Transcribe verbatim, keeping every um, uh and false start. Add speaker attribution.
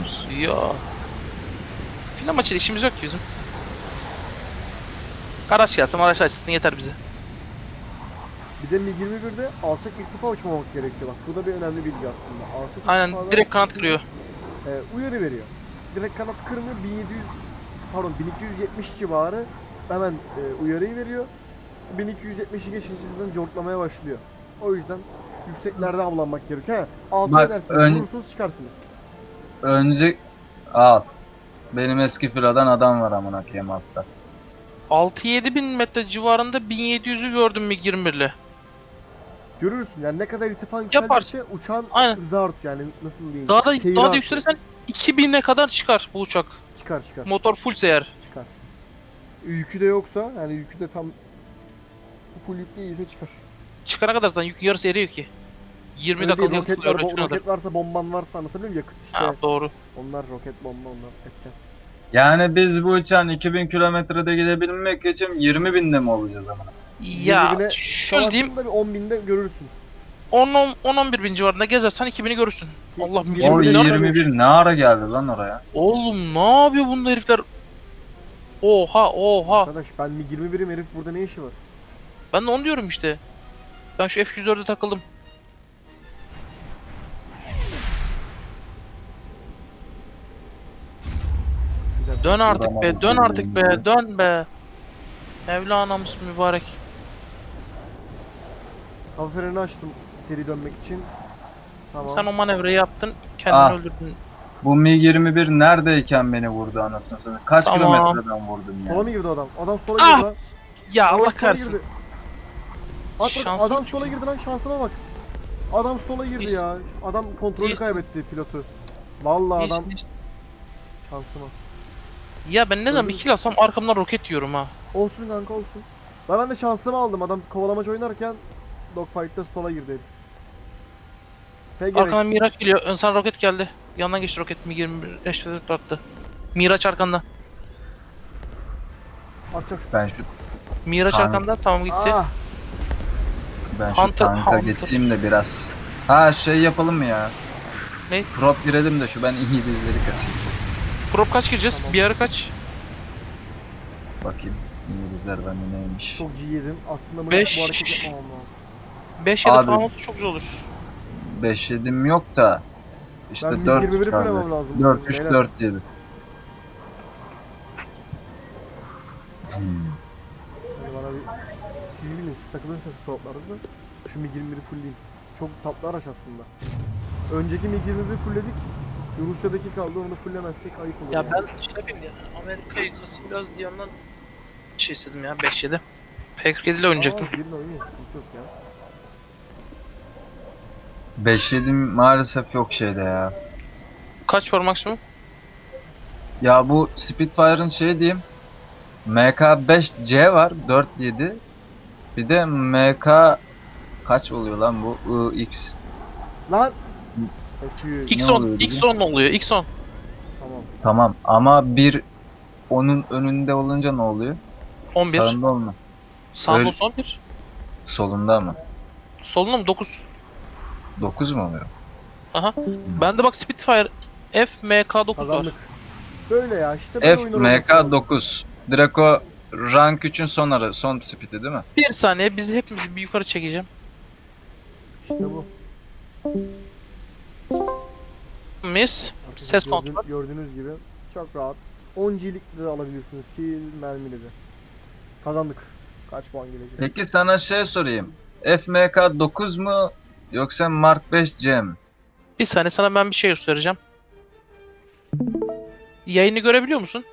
Speaker 1: oynuyorsunuz?
Speaker 2: Ya. Final maçıyla işimiz yok ki bizim. Araç gelsin, araç açsın yeter bize.
Speaker 3: Bir de MiG yirmi birde alçak irtifa uçmamak gerekiyor bak. Bu da bir önemli bilgi aslında. Alçak
Speaker 2: Aynen
Speaker 3: irtifada
Speaker 2: direkt kanat kırıyor.
Speaker 3: e, uyarı veriyor. Direkt kanat kırmıyor. bin yedi yüz pardon bin iki yüz yetmiş civarı hemen e, uyarıyı veriyor. bin iki yüz yetmişi geçince zaten cortlamaya başlıyor. O yüzden yükseklerde avlanmak gerekiyor. He, altıya
Speaker 1: Bak,
Speaker 3: edersiniz,
Speaker 1: ön-
Speaker 3: vurursunuz çıkarsınız.
Speaker 1: Önce al. Benim eski filadan adam var amına koyayım altta.
Speaker 2: altı yedi bin metre civarında bin yedi yüzü gördüm MiG yirmi bir ile.
Speaker 3: Görürsün yani ne kadar irtifa
Speaker 2: Yaparsın.
Speaker 3: yükseldikçe uçağın
Speaker 2: Aynen.
Speaker 3: hızı artıyor yani nasıl diyeyim.
Speaker 2: Daha da
Speaker 3: seyri
Speaker 2: daha da
Speaker 3: artıyor.
Speaker 2: yükselirsen iki bine kadar çıkar bu uçak.
Speaker 3: Çıkar çıkar
Speaker 2: Motor fullse eğer.
Speaker 3: çıkar. Yükü de yoksa yani yükü de tam full yüklü iyiyse çıkar.
Speaker 2: Çıkana kadar zaten yük yarısı eriyor ki. yirmi
Speaker 3: Öyle değil,
Speaker 2: dakika
Speaker 3: roket,
Speaker 2: yakıt
Speaker 3: var, bo-
Speaker 2: oluyor.
Speaker 3: roket varsa bomban varsa anlatabiliyor muyum? Yakıt işte.
Speaker 2: Ha doğru.
Speaker 3: Onlar roket bomba onlar etken.
Speaker 1: Yani biz bu uçağın iki bin kilometrede gidebilmek için yirmi binde mi olacağız ama?
Speaker 2: Ya
Speaker 3: yirmi bine
Speaker 2: şöyle diyeyim
Speaker 3: Sonrasında bir on binde görürsün.
Speaker 2: on on bir bin civarında gezersen iki bini görürsün.
Speaker 3: Ki-
Speaker 2: Allah
Speaker 3: yirmi
Speaker 1: O
Speaker 3: bine
Speaker 2: milyon.
Speaker 1: yirmi bir ne ara geldi lan oraya?
Speaker 2: Oğlum ne yapıyor bunda herifler? Oha oha.
Speaker 3: Arkadaş ben MiG yirmi birim herif burada ne işi var?
Speaker 2: Ben de onu diyorum işte. Ben şu F yüz dörde takıldım. Dön artık be, dön artık be, dön be. Mevlana'mız mübarek.
Speaker 3: Hava freni açtım seri dönmek için. Tamam.
Speaker 2: Sen o manevrayı yaptın, kendini
Speaker 1: Ah.
Speaker 2: öldürdün.
Speaker 1: Bu MiG yirmi bir neredeyken beni vurdu anasını satayım. Kaç
Speaker 2: Tamam.
Speaker 1: kilometreden vurdun
Speaker 3: Sola
Speaker 1: ya?
Speaker 3: mı girdi adam? Adam sola
Speaker 2: Ah!
Speaker 3: girdi lan.
Speaker 2: Ya
Speaker 3: Adam
Speaker 2: Allah
Speaker 3: sola
Speaker 2: kahretsin.
Speaker 3: girdi. At bak,
Speaker 2: Şansım
Speaker 3: adam
Speaker 2: yok.
Speaker 3: sola girdi lan şansıma bak. Adam sola girdi
Speaker 2: Hiç-
Speaker 3: ya. Adam kontrolü
Speaker 2: hiç-
Speaker 3: kaybetti pilotu. Vallahi adam
Speaker 2: Hiç- hiç-
Speaker 3: şansıma.
Speaker 2: Ya ben ne zaman bir
Speaker 3: Öldüm.
Speaker 2: kill alsam arkamdan roket yiyorum ha.
Speaker 3: Olsun kanka olsun. Ben, ben de şansımı aldım. Adam kovalamaç oynarken dogfight'ta sola girdi herif. F gerek.
Speaker 2: Arkadan Miraç geliyor, ön sana roket geldi. Yandan geçti roket mi yirmi bir eş attı. Miraç arkanda.
Speaker 3: Atacağım şu.
Speaker 1: Ben şu
Speaker 2: Miraç
Speaker 1: Tamam.
Speaker 2: arkanda, tamam gitti.
Speaker 3: Ah!
Speaker 1: ben şu
Speaker 2: Hunter-
Speaker 1: tanka
Speaker 2: Hunter.
Speaker 1: geçeyim de biraz. Ha şey yapalım mı ya?
Speaker 2: Ne?
Speaker 1: Prop girelim de şu ben İngilizleri kasayım.
Speaker 2: Prop kaç gireceğiz?
Speaker 3: Tamam.
Speaker 2: Bir ara kaç?
Speaker 1: Bakayım İngilizler bende neymiş.
Speaker 3: Çok G yedim. Aslında bunu
Speaker 2: Beş.
Speaker 3: bu hareket yapmamam lazım.
Speaker 2: beş ya da
Speaker 1: Abi.
Speaker 2: falan olsa çok güzel olur.
Speaker 1: beş yedim yok da. İşte
Speaker 3: Ben
Speaker 1: dört
Speaker 3: yirmi biri
Speaker 1: kaldı.
Speaker 3: fullemem lazım.
Speaker 1: dört üç
Speaker 3: Beyler.
Speaker 1: dört yedi. Hmm.
Speaker 3: Yani bana bir... Siz bilin, siz takılırsanız proplarda da şu MiG yirmi biri fullleyeyim. Çok tatlı araç aslında. Önceki MiG yirmi biri fullledik. Rusya'daki kaldı, onu fullemezsek ayıp olur.
Speaker 2: Ya
Speaker 3: yani.
Speaker 2: ben şey yapayım ya, Amerika'yı kasayım biraz diye ondan şey istedim ya, beş yedi. P kırk yedi ile oynayacaktım.
Speaker 3: Aa, birini oynayın, sıkıntı yok ya.
Speaker 1: beş yedim maalesef yok şeyde ya.
Speaker 2: Kaç var maksimum?
Speaker 1: Ya bu Spitfire'ın şey diyeyim. M K beş C var dört yedi. Bir de M K kaç oluyor lan bu? I X.
Speaker 3: Lan! F yüz.
Speaker 2: X
Speaker 1: Ne
Speaker 2: on,
Speaker 1: oluyor
Speaker 2: X on oluyor, X on.
Speaker 3: Tamam.
Speaker 1: Tamam ama bir onun önünde olunca ne oluyor?
Speaker 2: on bir.
Speaker 1: Sağında olma.
Speaker 2: Sağında
Speaker 1: Öyle-
Speaker 2: olsa on bir.
Speaker 1: Solunda mı?
Speaker 2: Solunda mı? dokuz.
Speaker 1: dokuz mu oluyor?
Speaker 2: Aha. Bende bak Spitfire F M K dokuz var.
Speaker 3: Kazandık. Böyle ya işte böyle
Speaker 1: F
Speaker 3: oyunlar
Speaker 1: M
Speaker 3: olması
Speaker 1: K
Speaker 3: lazım.
Speaker 1: dokuz. Direkt o rank üçün son ara, son speed'i değil mi?
Speaker 2: Bir saniye bizi hepimizi bir yukarı çekeceğim.
Speaker 3: İşte bu.
Speaker 2: Mis. Ses kontrol.
Speaker 3: Gördüğünüz, gördüğünüz gibi çok rahat. on G'lik de alabilirsiniz ki mermili de. Kazandık. Kaç puan gelecek?
Speaker 1: Peki sana şey sorayım. F M K dokuz mu yoksa Mark beş C mi?
Speaker 2: Bir saniye sana ben bir şey göstereceğim. Yayını görebiliyor musun?